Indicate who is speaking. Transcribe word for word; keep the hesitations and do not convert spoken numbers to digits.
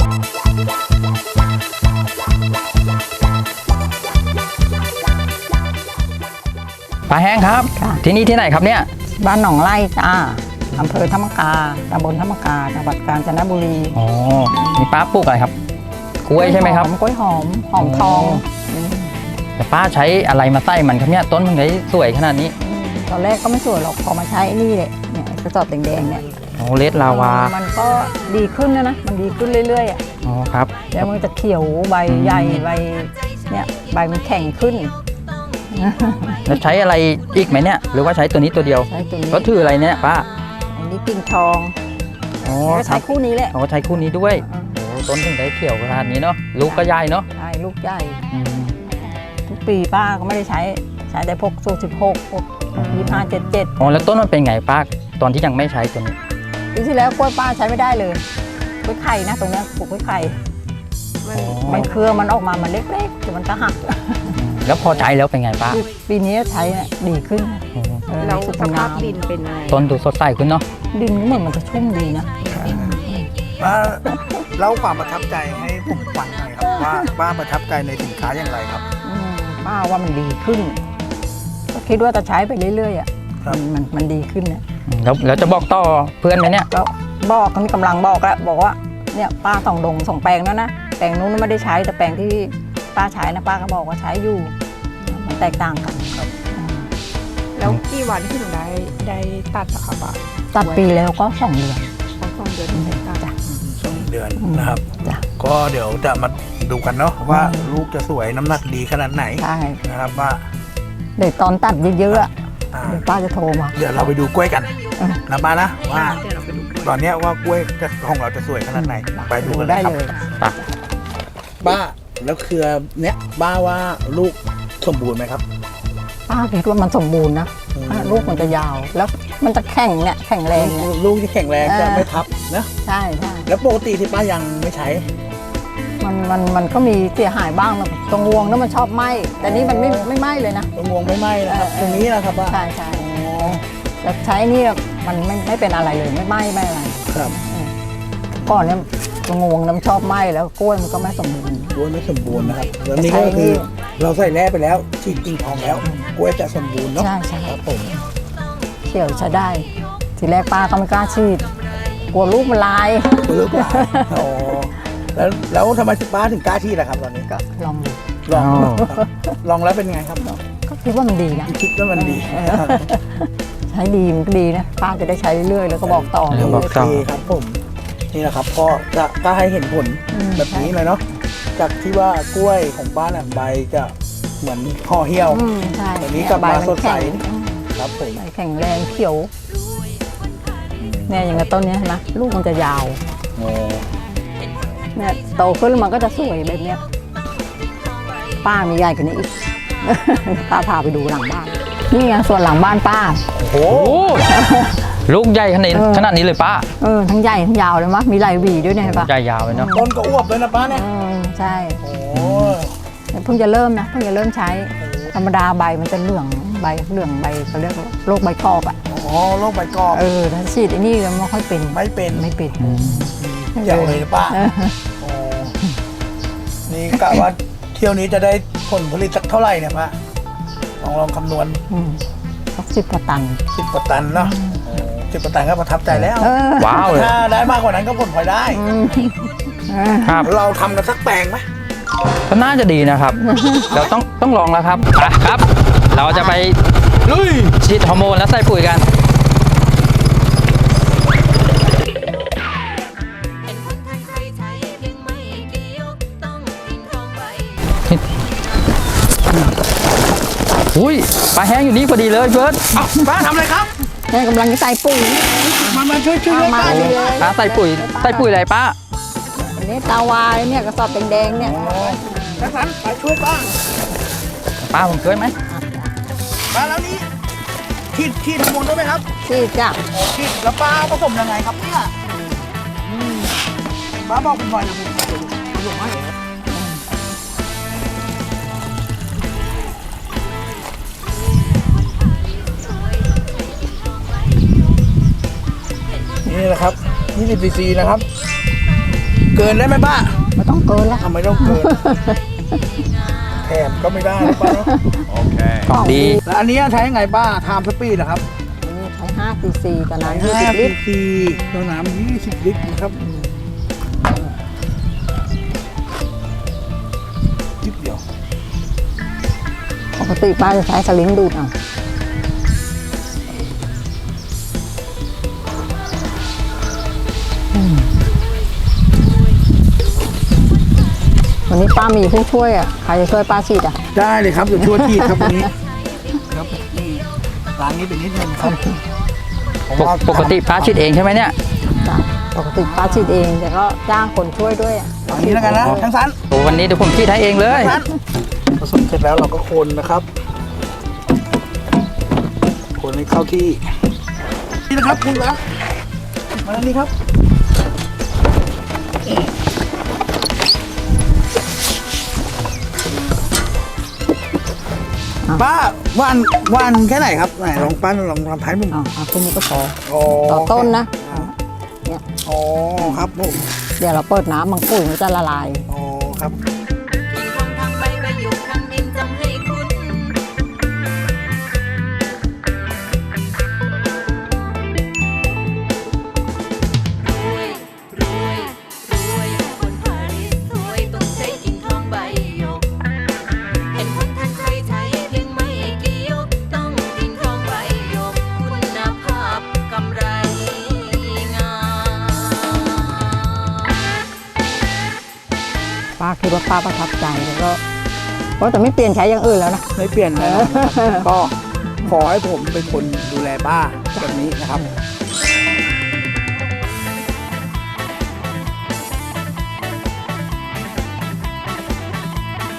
Speaker 1: ป้าแห้งครับที่นี่ที่ไหนครับเนี่ย
Speaker 2: บ้านหนองไร่จ้าอำเภอธรรมกาตำบลธรรมกาจังหวัดกาญจนบุรี
Speaker 1: อ๋อมีป้าปลูกอะไรครับกล้วยใช่ไหมครับ
Speaker 2: กล้วยหอมหอมทอง
Speaker 1: แต่ป้าใช้อะไรมาใต้มันครับเนี่ยต้นมันได้สวยขนาดนี้
Speaker 2: ตอนแรกก็ไม่สวยหรอกพอมาใช้นี่แหละเนี่ยกระสอบแดงๆเนี่ย
Speaker 1: โอ้เลดลาวา
Speaker 2: มันก็ดีขึ้นนะนะมันดีขึ้นเรื่อยๆอ่ะ
Speaker 1: อ๋อครับ
Speaker 2: แล้วมันจะเขียวใบใหญ่ใบเนี่ยใบมันแข็งขึ้น
Speaker 1: แล้วใช้อะไรอีกไหมเนี่ยหรือว่าใช้ตัวนี้ตัวเดียว
Speaker 2: ใช้ตัวนี้
Speaker 1: ก็ถืออะไรเนี่ยป้า
Speaker 2: อันนี้กิ่งทอง
Speaker 1: อ๋อ
Speaker 2: ใช้คู่นี้แหละ
Speaker 1: อ๋อใช้คู่นี้ด้วยโอ้ต้นถึงได้เขียวขนาดนี้เนาะลูกก็ใหญ่เนาะ
Speaker 2: ใช่ลูกใหญ่ทุกปีป้าก็ไม่ได้ใช้ใช้แต่พวกสูตรสิบหกพวกยี่ห้าเจ็ดเจ็ด
Speaker 1: อ๋อแล้วต้นมันเป็นไงป้าตอนที่ยังไม่ใช้ตัวนี้
Speaker 2: ปีที่แล้วกล้วยป้าใช้ไม่ได้เลยกล้วยไข่นะตรงนี้ปลูกกล้วยไข่มันเครือมันออกมามันเล็กๆแต่มันก็หัก
Speaker 1: แล้วพอใช้แล้วเป็นไงป้า
Speaker 2: ปีนี้ใช้ดีขึ้น
Speaker 3: แล้วสภาพดินเป็นไง
Speaker 1: ต้นดูสดใสขึ้นเนาะ
Speaker 2: ดินเหมือนมันจะชุ่มดีนะ
Speaker 4: ป้าเล่าความประทับใจให้ผมฟังหน่อยครับว่าป้าประทับใจในสินค้าอย่างไรครับ
Speaker 2: ป้าว่ามันดีขึ้นก็คิดว่าจะใช้ไปเรื่อยๆอ่ะมันมันดีขึ้นนะ
Speaker 1: แล้วแล้วจะบอกต่อเพื่อนไหมเนี่ย
Speaker 2: ก็บอกเขามีกำลังบอกแล้วบอกว่าเนี่ยป้าสองดงสองแปลงแล้วนะแปลงนู้นไม่ได้ใช้แต่แปลงที่ป้าใช้นะป้าก็บอกว่าใช้อยู่มันแตกต่างกันครับ
Speaker 3: แล้วกี่วันที่หนูได้ได้ตัดอะคะป้า
Speaker 2: ตัดปีแล้วก็สองเดือน
Speaker 3: สองเดือนถึงได้ตัดจ้ะ
Speaker 4: สองเดือนนะครับก็เดี๋ยวจะมาดูกันเนาะว่าลูกจะสวยน้ำหนักดีขนาดไหน
Speaker 2: ใช่
Speaker 4: นะครับว่า
Speaker 2: เดี๋ยวตอนตัดเยอะๆเดี๋ยวป้าจะโทรมา
Speaker 4: เดี๋ยวเราไปดูกล้วยกันนะป้านะว่าตอนนี้ว่ากล้วยของเราจะสวยขนาดไหนไปดูกัน
Speaker 2: ได้เลย
Speaker 4: ป้าแล้วเครือเนี้ยป้าว่าลูกสมบูรณ์ไหมครับ
Speaker 2: ป้าคิดว่ามันสมบูรณ์นะลูกมันจะยาวแล้วมันจะแข็งเนี่ยแข็งแรง
Speaker 4: ลูกที่แข็งแรงจะไม่ทับนะ
Speaker 2: ใช่ใช่
Speaker 4: แล้วปกติที่ป้ายังไม่ใช้
Speaker 2: มันมันมันก็มีเสียหายบ้างนะตรงงวงนั้นมันชอบไหมแต่นี้มันไม่ไม่ไหมเลยนะ
Speaker 4: ตรงงวงไม่ไหมนะครับตรงนี้นะครับป้า
Speaker 2: ใช่ใช่แต่ใช้นี่มันไม่ไม่เป็นอะไรเลยไม่ไหมไม่อะไร
Speaker 4: ครับ
Speaker 2: ก่อนเนี่ยตรงงวงน้ำชอบไหมแล้วกล้วยมันก็ไม่สมบูรณ์
Speaker 4: กล้วยไม่สมบูรณ์นะครับแล้วนี่ก็คือเราใส่แร่ไปแล้วฉีดกิ่งทองแล้วกล้วยจะสมบูรณ์เนาะ
Speaker 2: ใช่ใช่
Speaker 4: ครับผม
Speaker 2: เขียวใช้ได้ทีแรกป้าก็ไม่กล้าฉีดกลัวลูกมันลาย
Speaker 4: กลัวลูกลายอ๋อแล้วแล้วทำไมป้าถึงกล้าฉีดล่ะครับตอนนี้
Speaker 2: ก็ลอง
Speaker 4: ลองลองแล้วเป็นไงครับ
Speaker 2: ก็คิดว่ามันดีนะ
Speaker 4: คิดว่ามันดี
Speaker 2: ใช้ดีมันก็ดีนะป้าจะได้ใช้เรื่อยๆแล้วก็บอกต่อ
Speaker 4: โอเคครับผมนี่แหละครับก็จะก็ให้เห็นผลแบบนี้เลยเนาะจากที่ว่ากล้วยของป้าเนี่ยใบจะเหมือนห่อเหี่ยวตอนนี้กลับมาสดใสครับผม
Speaker 2: ใบแข็งแรงเขียวเนี่ยอย่างกับต้นนี้นะลูกมันจะยาวเนี่ยโตขึ้นมันก็จะสวยแบบเนี้ยป้ามีใหญ่กว่านี้อีกป้าพาไปดูหลังบ้านนี่ไงส่วนหลังบ้านป้า
Speaker 1: โอ้ลูกใหญ่ขนาดขนาดนี้เลยป้า
Speaker 2: เออทั้งใหญ่ทั้งยาวเลยมั้ยมีลายหวีด้วยเนี่ยป้า
Speaker 1: ใหญ่ยาวเลยเนาะ
Speaker 4: ต้นก็อวบเลยนะป้าเนี่ย
Speaker 2: ใช่โอ้เพิ่งจะเริ่มนะเพิ่งจะเริ่มใช้ธรรมดาใบมันจะเหลืองใบเหลืองใบเขาเรียกโรคใบกรอบอ่ะ
Speaker 4: อ๋อโรคใบกรอบ
Speaker 2: เออถ้าฉีดไอ้นี่ไม่ค่อยเป็น
Speaker 4: ไม่เป็น
Speaker 2: ไม่เป็น
Speaker 4: เจ๋งเลยป้านี่กะว่าเที่ยวนี้จะได้ผลผลิตสักเท่าไหร่เนี่ยป้าลองลองคำนวณ
Speaker 2: สักสิบกว่าตัน
Speaker 4: สิบกว่าตันเนาะสิบกว่าตันก็ประทับใจแล้ว
Speaker 1: ว้าว
Speaker 4: ถ้าได้มากกว่านั้นก็ผลพลอยได้
Speaker 1: ครับ
Speaker 4: เราทำกันสักแปลงไหม
Speaker 1: ก็น่าจะดีนะครับเราต้องต้องลองแล้วครับครับเราจะไปลุยฉีดฮอร์โมนแล้วใส่ปุ๋ยกันอุ้ยปลาแห้งอยู่นี่พอดีเลยเบิร์ด
Speaker 4: ป้าทำอะไรครับ
Speaker 2: แม่กำลังจะใส่ปุ๋ย
Speaker 4: มามาช่วยช่วยป้า
Speaker 1: เลยป้าใส่ปุ๋ยใส่ปุ๋ยอะไรป้า
Speaker 2: อันนี้ตาวายเนี่ยกระสอบแดงๆเนี่ย
Speaker 4: นักสันไปช่วยป้า
Speaker 1: ป้าผมช่วยไหม
Speaker 4: ป้าแล้วนี้ฉีดฉีดฮอร์โมนด้วยไหมครับ
Speaker 2: ฉีดจ้ะ
Speaker 4: ฉีดแล้วป้าผสมยังไงครับเนี่ยป้าบอกผมหน่อยนะผมผสมให้นี่แหละครับยี่สิบซีซีนะครับเกินได้ไหมป้า
Speaker 2: ไม่ต้องเกินแล้ว
Speaker 4: ทำไมต้องเกิน แถมก็ไม่ได้นะป้าเนาะ
Speaker 1: ของดี
Speaker 4: แล้วอันนี้ใช้ยังไงป้าไทม์สปีดเหรอครับ
Speaker 2: นี่ใช้ห้าซีซีกับน้ำยี่
Speaker 4: ห้า
Speaker 2: สิบ
Speaker 4: ซี
Speaker 2: ลิตร
Speaker 4: ซีตัวน้ำยี่สิบลิตรนะครับนิดเดียว
Speaker 2: ปกติป้าจะใช้สลิงดูดเอาอืมวันนี้ป้ามีผู้ช่วยอ่ะใครจะช่วยป้าฉีดอ่ะ
Speaker 4: ได้เลยครับเดี๋ยวช่วยทีครับวันนี้ครับนี่ร้านนี้เป็นนิดนึงครับ
Speaker 1: ปกปกติป้าชิดเองใช่ไหมเนี่ย
Speaker 2: จ้ะปกติป้าฉีดเองแต่ก็จ้างคนช่วยด้วยอ่ะ
Speaker 4: อันนี้แล้วกันนะทั้งสัน
Speaker 1: โอ้วันนี้เดี๋ยวผมชิดให้เองเลย
Speaker 4: ผสมเสร็จแล้วเราก็คนนะครับ คนให้เข้าที่ นี่นะครับคุณละมาแล้วนี่ครับป้าวันวันแค่ไหนครับไหนลองป้าลองทำท้ายมุม
Speaker 2: เอาเอาแค่นี้ก็พอ
Speaker 4: อ๋อ
Speaker 2: ต่อต้นนะ เนี่ย
Speaker 4: อ๋อครับผม
Speaker 2: เดี๋ยวเราเปิดน้ำมังปุ๋ยมันจะละลาย
Speaker 4: อ๋อครับ
Speaker 5: ทิ้งทองทางใบใบหยกทางดินจำให้คุ้นรวยรวยรวยคนพาริสรวยต้องใช้กิ่งทองใบหยกเห็นคนท่านใครใช้เพียงไม่กี่หยกต้องกิ่งทองใบหยกคุณภาพกำไรงาม
Speaker 2: ป้าคิดว่าป้าประทับใจแล้วก็เพราะแต่ไม่เปลี่ยนใช้อย่างอื่นแล้วนะ
Speaker 4: ไม่เปลี่ยนเลยนะครับก็ขอให้ผมเป็นคนดูแลป้าแบบนี้นะครับ